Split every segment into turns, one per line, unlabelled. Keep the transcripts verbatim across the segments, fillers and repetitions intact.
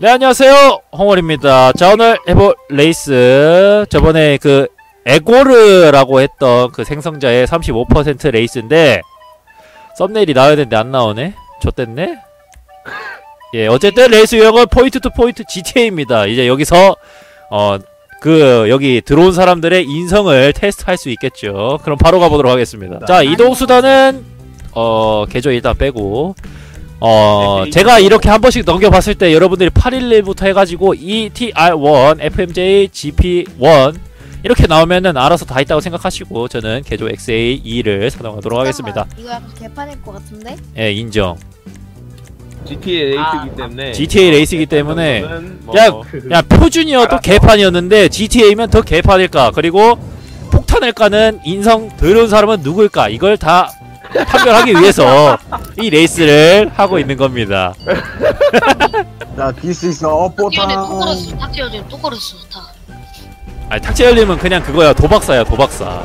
네, 안녕하세요, 홍월입니다. 자, 오늘 해볼 레이스, 저번에 그 에고르라고 했던 그 생성자의 삼십오 퍼센트 레이스인데 썸네일이 나와야 되는데 안 나오네? 좆됐네? 예, 어쨌든 레이스 유형은 포인트 투 포인트 지티에이입니다. 이제 여기서 어 그 여기 들어온 사람들의 인성을 테스트할 수 있겠죠. 그럼 바로 가보도록 하겠습니다. 자, 이동수단은 어 개조 일단 빼고 어 제가 이렇게 한 번씩 넘겨봤을 때 여러분들이 팔일일부터 해가지고 이티알 원, 에프엠제이, 지피 원 이렇게 나오면은 알아서 다 있다고 생각하시고 저는 개조 엑스에이 이를 사용하도록 하겠습니다.
이거 약간 개판일 것 같은데?
예, 인정.
지티에이 레이스이기
아,
때문에
지티에이 레이스이기 때문에
뭐
야, 야 표준이어도 개판이었는데 지티에이면 더 개판일까? 그리고 폭탄을 까는 인성 더러운 사람은 누굴까? 이걸 다 판별하기 위해서 이 레이스를 하고 있는 겁니다.
나 빌 수 있어.
탁지연이 또
뽀탕.
걸었어. 탁지연이 또 걸었어. 다.
아니, 탁재열님은 그냥 그거야, 도박사야, 도박사.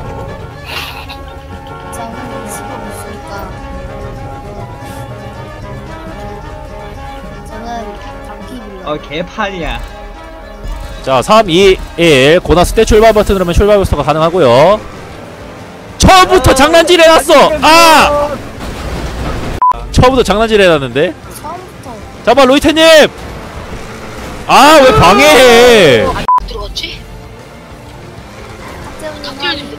저는 집에 있으니까 저는 바퀴
어 개판이야.
자, 삼, 이, 일 고나스 때 출발 버튼 누르면 출발 부스터가 가능하고요. 처음부터 장난질 해놨어! 아! 처음부터 장난질 해놨는데?
처음부터
잠깐만, 로이테님! 아, 왜 방해해!
들어갔지?
탁재훈님
탁지연이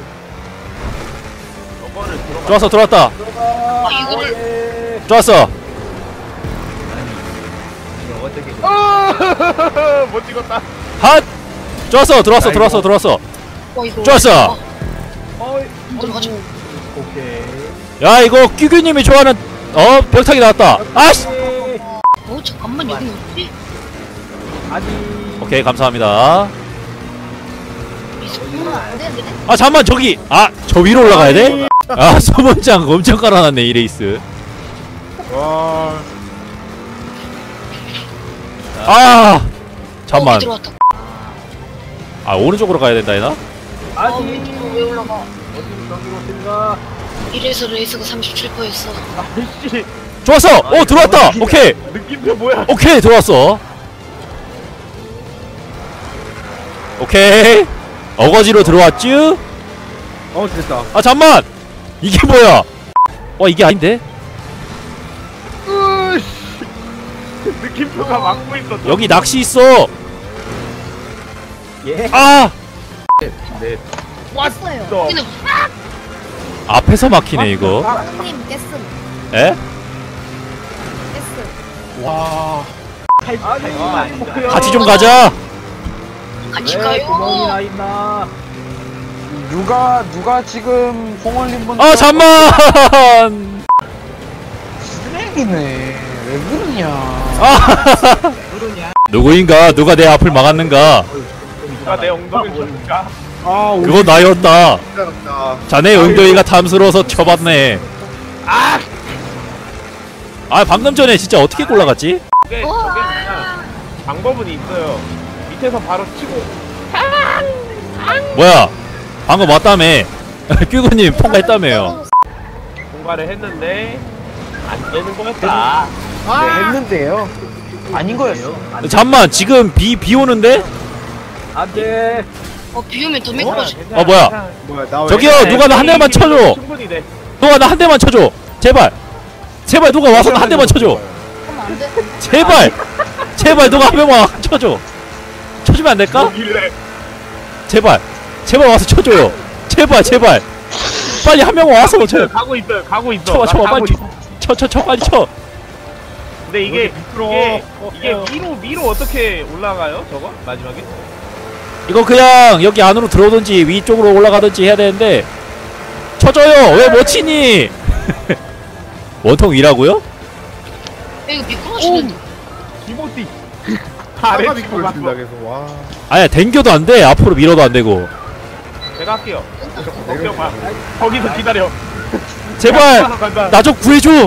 좋았어, 들어왔다.
아 이거를
좋았어.
이거 어떻게
못 찍었다.
핫! 좋았어, 들어왔어, 들어왔어, 들어왔어.
어 이거
좋았어.
어, 들어가죠.
오케이.
야, 이거 끼규님이 좋아하는 어 벽타기 나왔다. 아씨.
어 잠깐만 여기 어디?
아니.
오케이, 감사합니다.
이러면 안 되는데?
아, 잠만, 저기 아 저 위로 올라가야 돼? 아, 소문장 엄청 깔아놨네 이 레이스.
와.
아, 잠만.
어, 들어왔다.
아, 오른쪽으로 가야 된다 이나?
어
아니.
왼쪽으로 왜 올라가?
어디 저기로 들어가.
이래서 레이스가 삼십칠 퍼센트였어.
아이씨.
좋았어. 오, 들어왔다. 오케이,
느낌표 뭐야?
오케이, 들어왔어. 오케이, 어거지로 들어왔쥬?
어 됐다.
아, 잠만. 이게 뭐야? 와, 이게 아닌데?
으이씨. 느낌표가 막고 있어.
여기 낚시 있어.
예.
아,
네.
깼어요.
또.
여기는
앞에서 막히네 이거.
형님 깼음
에?
깼음
와.
아니.
같이 좀 가자.
같이
왜 구멍이 나
가요.
있나?
누가 누가 지금 홍월님 분?
아, 잠만.
쓰레기네. 왜 그러냐?
아,
그러냐?
누구인가? 누가 내 앞을 막았는가?
누가 내 엉덩이를 쳤을까?
아,
그건 나였다.
힘들었다.
자네 엉덩이가 탐스러워서 쳐봤네. 아! 아, 방금 전에 진짜 어떻게 올라갔지?
그게 저게 그냥 방법은 있어요. 밑에서 바로 치고
뭐야? 방금 왔다며. 끼구님 통과했다며요.
공가를 했는데 안 되는 거였다.
네, 했는데요. 아닌 거였어.
잠만, 지금 비, 비 오는데?
안돼.
어 비우면 더 매끄러져.
어, 뭐야?
뭐야? 나
저기요, 누가 나 한 대만 쳐줘.
충분히 돼.
누가 나 한 대만 쳐줘. 제발. 제발 누가 와서 나 한 대만 쳐줘.
그럼 안 돼?
제발. 제발 누가 한 명만 쳐줘. 쳐주면 안 될까?
뭐길래?
제발. 제발 와서 쳐줘요. 제발, 제발. 빨리 한 명만 와서 쳐.
가고 있어요. 가고 있어.
쳐봐,
나
쳐봐,
가고
빨리
있어.
쳐, 쳐, 쳐, 빨리 쳐.
근데 이게
밑으로.
이게,
어,
이게
어.
위로 위로 어떻게 올라가요? 저거 마지막에?
이거 그냥 여기 안으로 들어오든지 위쪽으로 올라가든지 해야 되는데 쳐줘요. 왜 못 치니? 원통 위라고요?
이거 미끄러지는데.
기모띠. 아래 치고 갔어.
아니야, 댕겨도 안 돼. 앞으로 밀어도 안 되고.
제가 할게요. 걱정 마. 거기서 기다려.
제발
간다.
나 좀 구해줘.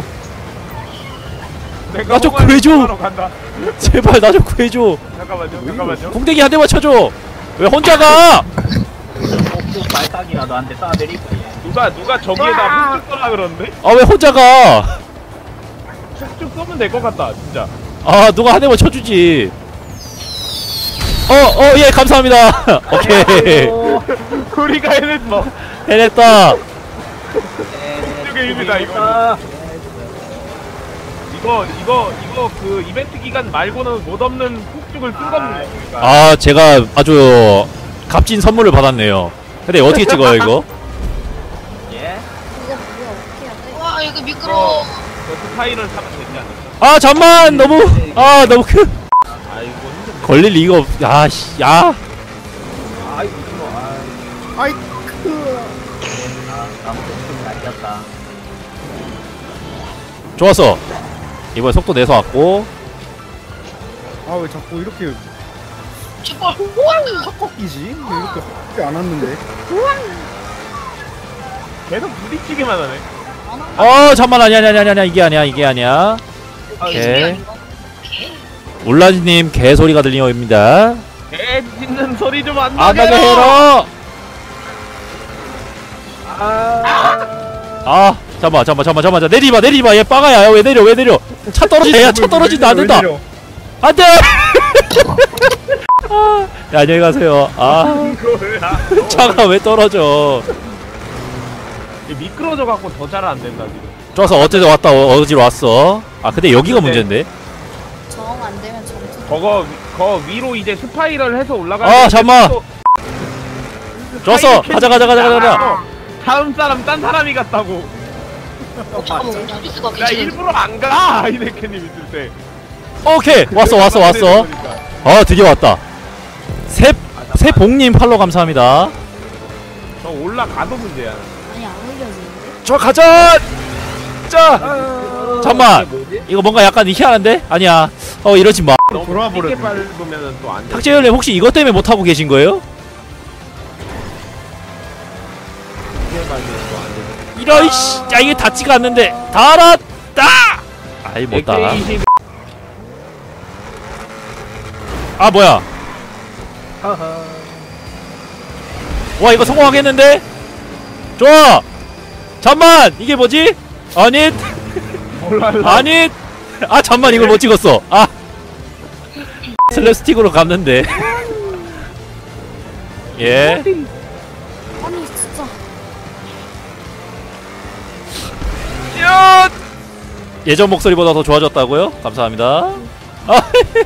내가
나좀
호감이
구해줘.
하러 간다.
제발 나 좀 구해줘.
잠깐만요. 잠깐만요.
궁뎅이 한 대만 쳐줘. 왜 혼자 가?
꼭 발상이라도 안 돼. 쏴내릴 거야.
누가 누가 저기에다 훅쭉 쏘라 그러는데?
아, 왜 혼자 가?
훅쭉 쏘면 될 것 같다. 진짜.
아, 누가 한 대만 쳐주지. 어, 어, 예, 감사합니다. 오케이.
우리가 해냈어.
해냈다.
이쪽에 일이다 이거. 이거 이거 이거 그 이벤트 기간 말고는 못 없는 폭죽을 쓴 겁니다. 우리가.
아, 제가 아주 값진 선물을 받았네요. 근데 어떻게 찍어요, 이거?
예?
이거 뭐야 어떻게 해야 돼?
와 이거 미끄러워.
저 스파이를 사면 되지 않을까?
아, 잠만! 너무, 아, 너무 큰.
아 이거 힘든데.
걸릴 리가 없, 야, 씨, 야.
아이 이거 아.
아이
아 아무튼 좀 날렸다.
좋았어. 이번에 속도 내서 왔고.
아 왜 자꾸 이렇게
제발.
확 꺾이지? 왜 이렇게 확 안 왔는데?
계속 부딪히기만 하네.
어, 잠만, 아니야, 아니야, 아니야, 아니야, 이게 아니야, 이게 아니야. 오케이. 울라지님 개소리가 들리옵니다.
개 짖는 소리 좀 안
안
나게
나게 해라! 아, 잠깐만, 잠깐만, 잠깐만, 잠깐만, 내리마, 내리마, 얘 빠가야, 왜 내려, 왜 내려? 차 떨어진다, 야, 차 떨어진다, 안 된다. 안 돼! 아, 야, 안녕히 가세요. 아,
이거야.
차가 왜 떨어져?
미끄러져 갖고 더 잘 안 된다 지금.
좋아서 어제도 왔다, 어, 어디로 왔어? 아, 근데 여기가 문제인데?
정 안 되면 점수.
저거 위- 거 위로 이제 스파이럴 해서 올라가.
아, 잠깐만. 좋았어, 가자, 가자, 가자, 가자, 가자.
다음 사람 딴 사람이 같다고.
잠깐만 리스가
나
괜찮은데.
일부러 안 가. 이네케님 있을 때.
오케이, 왔어, 왔어, 왔어. 아, 드디어 왔다. 새, 새복님 팔로 감사합니다.
저 올라가도 문제야.
아니 안 올려지는데?
저 가자! 자! 잠깐만!
뭐지?
이거 뭔가 약간 희한한데? 아니야. 어, 이러지 마.
너무
돌아와
쉽게
버렸네.
밟으면은 또 안 돼.
탁재열님 혹시 이것 때문에 못하고 계신 거예요?
쉽게 밟으면 또 안 돼.
이런, 씨! 야, 이게 닿지가 않는데. 닿았다! 아이, 못 닿아.
엑스에이십
아, 뭐야. 와, 이거 성공하겠는데? 좋아! 잠만! 이게 뭐지? 아니,
몰라.
아니! 아, 잠만, 이걸 못 찍었어. 아! 슬랩스틱으로 갔는데. 예.
아니 진짜.
야! 예전 목소리보다 더 좋아졌다고요? 감사합니다. 아,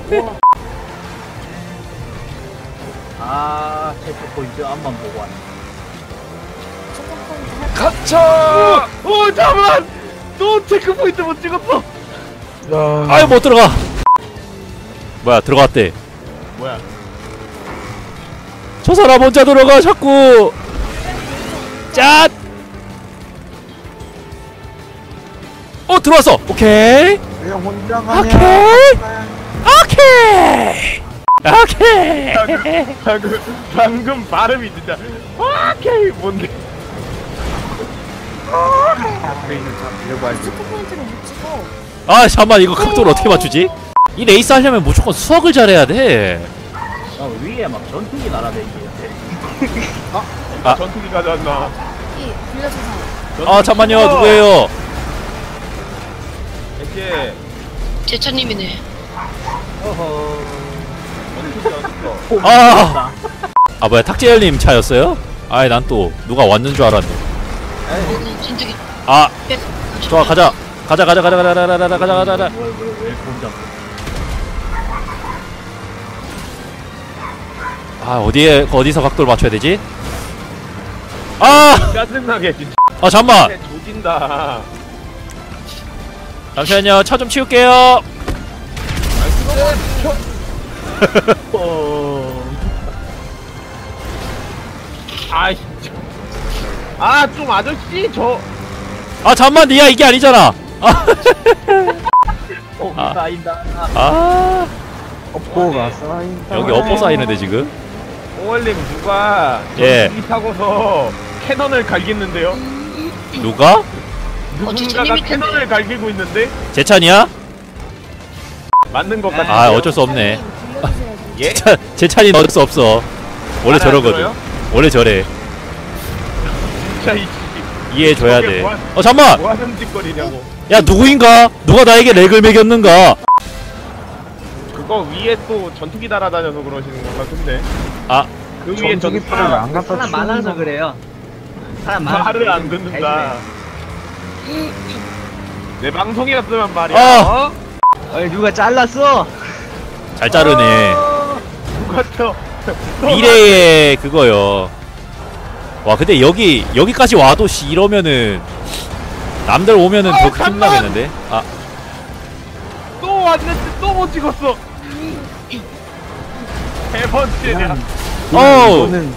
아 체크 포인트 앞만 보고 왔네.
초코 포인트 할
갇혀!
오 잠만. 또 체크 포인트 못 찍었어.
아유, 못 들어가. 뭐야, 들어갔대.
뭐야?
저 사람 혼자 들어가, 자꾸. 짠! 어, 들어왔어. 오케이.
왜 혼자 가냐?
오케이. 오케이. 오케이.
방금 방금 발음이 진짜 오케이 뭔데?
초코 포인트를 못 찍어.
아, 잠깐만, 이거 각도를 어떻게 맞추지? 이 레이스 하려면 무조건 수학을 잘해야 돼.
나 위에 막 전투기 날아다니는데.
아.
전투기 가져왔나?
이 빌려준 사람.
아, 잠만요, 누구예요?
이제
제차님이네.
어허.
전투기 어딨어?
아. 아, 뭐야, 탁재열님 차였어요? 아이, 난 또 누가 왔는 줄 알았네.
저는 진득이.
아, 좋아, 가자. 가자, 가자, 가자, 가자, 가자, 가자, 가자, 가자, 가자. 아, 어디에, 어디서 각도를 맞춰야 되지? 아!
짜증나게 진짜.
아, 잠만!
조진다.
잠시만요, 차 좀 치울게요.
아이 진짜. 아좀 아저씨 저.
아, 잠만, 니야, 이게 아니잖아. 아,
어,
아.
쌓인다.
아,
업보가 쌓인다.
여기 업보 쌓이는데, 지금?
오월님 누가
예.
전투기 타고서 캐논을 갈기는데요?
누가?
누군가가
제차님이
캐논을 갈기고 있는데
제 차냐?
맞는 것 같은데.
아, 어쩔 수 없네.
빌려주세요.
예?
차, 제 차는 어쩔 수 없어. 원래
말안
저러거든.
들어요?
원래 저래.
진짜 이
이해해줘야
저게
돼.
뭐 하-
어, 잠만!
뭐 하는 짓거리냐고.
야, 누구인가? 누가 나에게 렉을 매겼는가?
그거 위에 또 전투기 날아다녀서 그러시는 것 같은데.
아.
그 위에 전투기
전투기표를 안 갖다
사람 많아서
치우는
그래요. 사람 많아서
말을
그래요.
안 듣는다. 내 방송이었으면 말이야.
아!
어?
어이 누가 잘랐어?
잘 자르네.
누가 쳐?
미래의 그거요. 와 근데 여기 여기까지 와도 씨 이러면은 남들 오면은
어,
더
잠깐!
힘나겠는데. 아
또 왔는데 또 못 찍었어. 세 번째냐?
어우.
이거는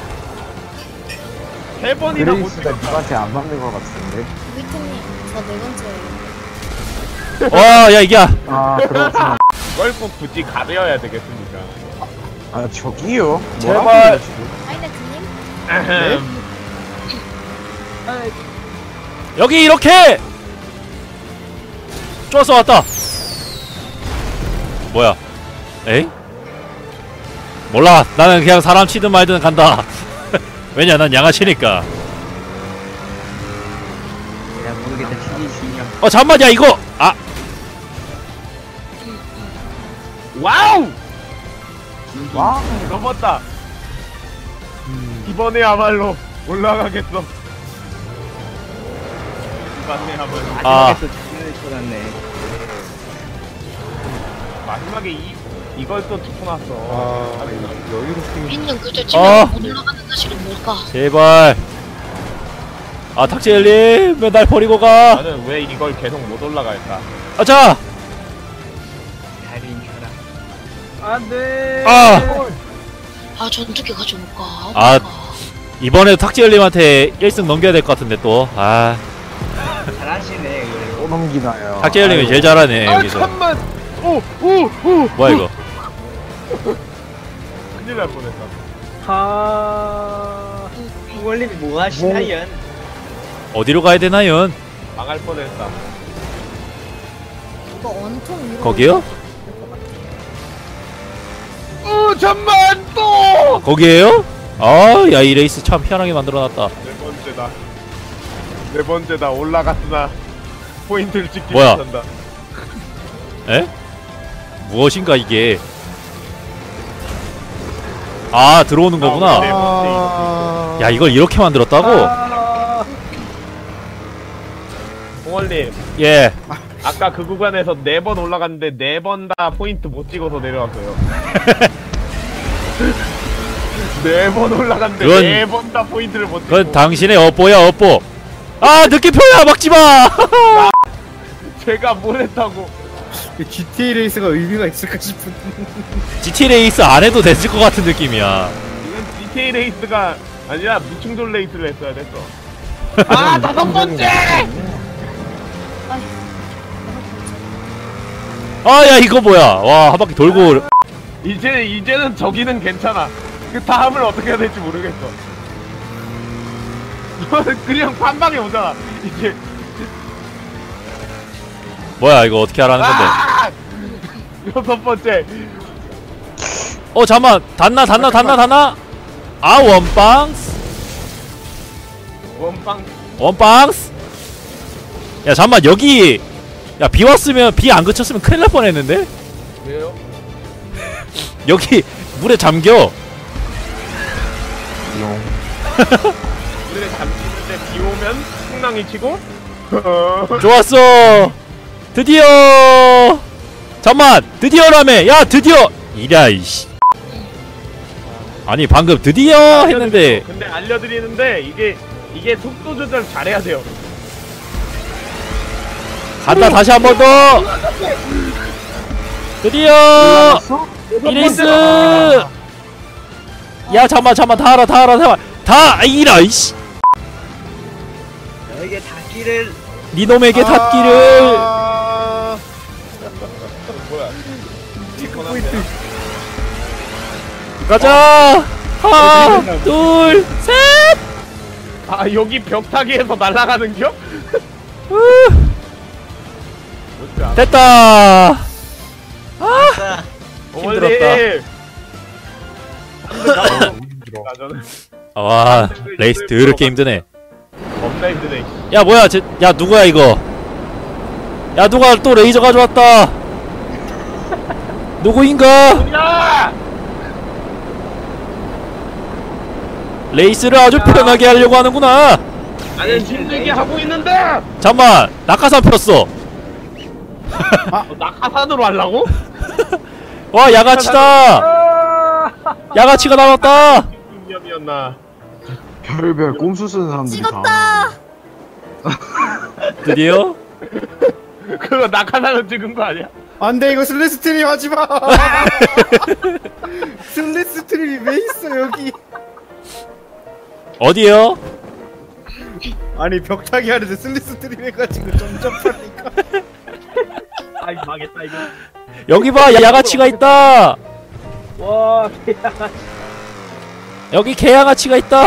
세 번이나 못
그레이스가
찍었다.
누구한테 안 맞는 것 같은데.
위트님 저 네 번째예요.
와 야 이게
아 그렇구나.
이걸 꼭 굳이 가려야 되겠습니까?
아 저기요.
제발.
뭐라고요, 지금?
하이네크님
아흠.
여기 이렇게 쪼아서 왔다. 뭐야? 에이? 몰라. 나는 그냥 사람 치든 말든 간다. 왜냐 난 양아치니까.
내가 모르겠다. 신이 신이야.
어 잠만 야 이거 아
와우!
와.
넘었다. 이번에야말로 올라가겠어. 이번에야말로.
아.
마지막에 또 장난을 쳐놨네.
마지막에 이 이걸 또 짚어놨어.
아 여유롭게
우리는 그저
어.
지금 못 올라가는 사실은 뭘까?
제발. 아 탁재일님 왜 날 버리고 가?
나는 왜 이걸 계속 못 올라갈까?
아자.
달인 켜라. 안돼.
아
아 전투기 가져올까?
아.
뭘까?
이번에 탁재일님한테 일 승 넘겨야 될 것 같은데 또. 아
잘하시네 그래도.
또 넘기나요.
탁재일님이
아이고.
제일 잘하네
아
여기서.
잠만. 오오오
뭐야 이거?
큰일 날 뻔했다.
하. 원님이 뭐 하시나요?
어디로 가야 되나요?
망할 뻔했다.
이거 원통 위로
거기요?
어 잠만 또.
거기에요? 아, 야, 이 레이스 참 희한하게 만들어놨다.
네 번째다. 네 번째다. 올라갔으나 포인트를 찍지
뭐야?
못한다.
에? 무엇인가 이게? 아, 들어오는 거구나.
네 번째.
야, 이걸 이렇게 만들었다고?
홍월님,
예.
아까 그 구간에서 네 번 올라갔는데 네 번 다 포인트 못 찍어서 내려왔어요. 네 번 올라갔는데
그건-
네 번 다 포인트를 못 찍고.
그건 당신의 업보야, 업보. 아, 느낌표야, 막지 마!
제가 뭘 했다고.
지티에이 레이스가 의미가 있을까 싶은.
지티 레이스 안 해도 됐을 것 같은 느낌이야.
이건 지티에이 레이스가 아니라 무충돌 레이스를 했어야 됐어. 아, 다섯 번째!
아, 야, 이거 뭐야. 와, 한 바퀴 돌고.
이제, 이제는 저기는 괜찮아. 그 다음을 어떻게 해야 될지 모르겠어. 이거는 그냥 판방에 오잖아. 이제.
뭐야, 이거 어떻게 하라는 건데.
아! 여섯 번째.
어, 잠만. 닿나, 닿나, 닿나, 닿나? 아, 원빵스.
원빵.
원빵스. 야, 잠만, 여기. 야, 비 왔으면, 비 안 그쳤으면 큰일 날 뻔 했는데?
왜요?
여기, 물에 잠겨.
오늘의 잠시는데 비 오면 풍랑이 치고.
좋았어. 드디어. 잠만, 드디어라며. 야, 드디어. 이랴, 이씨. 아니, 방금 드디어 했는데.
근데 알려드리는데 이게 이게 속도 조절 잘해야 돼요.
간다, 다시 한 번 더. 드디어. 이레이스. 야, 잠만, 잠만, 다 알아, 다 알아, 다 알아. 다, 이라, 이씨.
너에게 닿기를.
니놈에게 닿기를.
아... 뭐야?
포인트.
가자. 하나, 둘, 셋.
아 여기 벽타기에서 날아가는겨?
후,
뭐지?
됐다.
아.
힘들었다.
아 저는
와, 레이스 더럽게 힘드네.
겁나 힘드네.
야, 뭐야, 쟤, 야, 누구야 이거? 야, 누가 또 레이저 가져왔다. 누구인가?
야!
레이스를 아주 편하게 하려고 하는구나.
나는 힘들게 하고 있는데.
잠만, 낙하산 폈어.
어, 낙하산으로 하려고?
와, 야가치다.
아!
야가치가 나왔다.
위험이었나?
별별 꼼수 쓰는 사람들이
찍었다.
드디어
그거 낙하산으로 찍은 거 아니야?
안돼 이거 슬래스트림 하지마. 슬래스트림이 왜 있어 여기?
어디요?
아니 벽타기 하는데 슬래스트림 해가지고 점점하니까.
아이 망했다 이거.
여기 봐, 야가치가 있다.
와
여기 개야가치가 있다.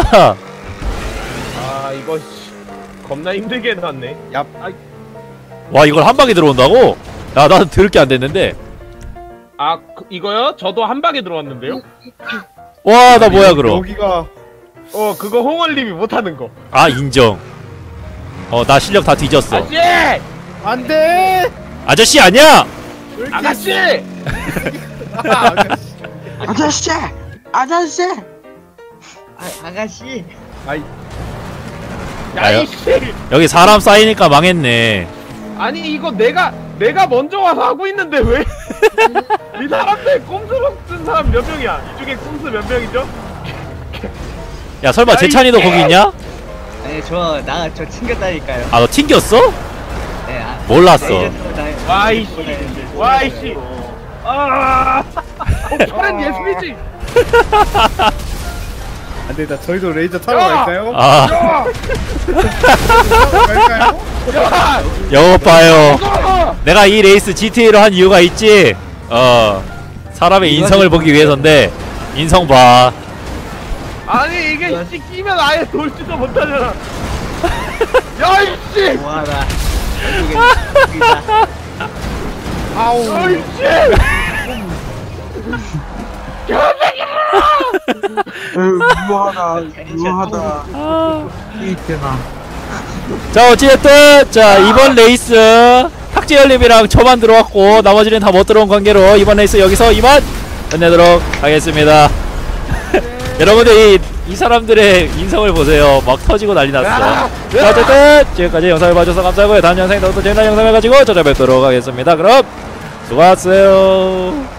아 이거 씨, 겁나 힘들게 해놨네.
야
와, 이걸 한 방에 들어온다고? 야, 나는 들을 게 안 됐는데.
아 그, 이거요? 저도 한 방에 들어왔는데요?
와, 나 뭐야 그럼?
여기가
어 그거 홍월님이 못하는 거.
아, 인정. 어, 나 실력 다 뒤졌어.
아저씨!
안돼.
아저씨 아니야?
아가씨!
아, 아가씨.
아저씨! 아저씨!
아, 아가씨.
아이
나요?
야이씨!
여기 사람 쌓이니까 망했네.
아니 이거 내가 내가 먼저 와서 하고 있는데 왜? 이 사람들 꼼수로 쓴 사람 몇 명이야? 이 중에 꼼수 몇 명이죠?
야, 설마
야,
재찬이도
이
거기 있냐?
아니 저 나 저 튕겼다니까요.
아, 너 튕겼어?
네. 아,
몰랐어.
와이씨! 와이씨! 아! 어, 저런 예술이지!
안돼 나 저희도 레이저 타러
야!
갈까요?
아,
야!
타러 갈까요?
야!
여보 봐요.
이거!
내가 이 레이스 지티에이로 한 이유가 있지. 어, 사람의 인성을 보기 위해서인데 인성 봐.
아니 이게 씨 끼면 아예 돌지도 못하잖아. 야이씨!
뭐하나. 여기다.
아우
야이씨!
에휴, 묘하다, 묘하다.
아.
이때나.
자, 어찌됐든 자, 이번 레이스 탁재열님이랑 저만 들어왔고 나머지는 다 못 들어온 관계로 이번 레이스 여기서 이만 끝내도록 하겠습니다. 여러분들 이, 이 사람들의 인성을 보세요. 막 터지고 난리 났어. 자, 어쨌든 지금까지 영상을 봐주셔서 감사하고요. 다음 영상에 더 재미난 영상을 가지고 찾아뵙도록 하겠습니다. 그럼 수고하셨어요.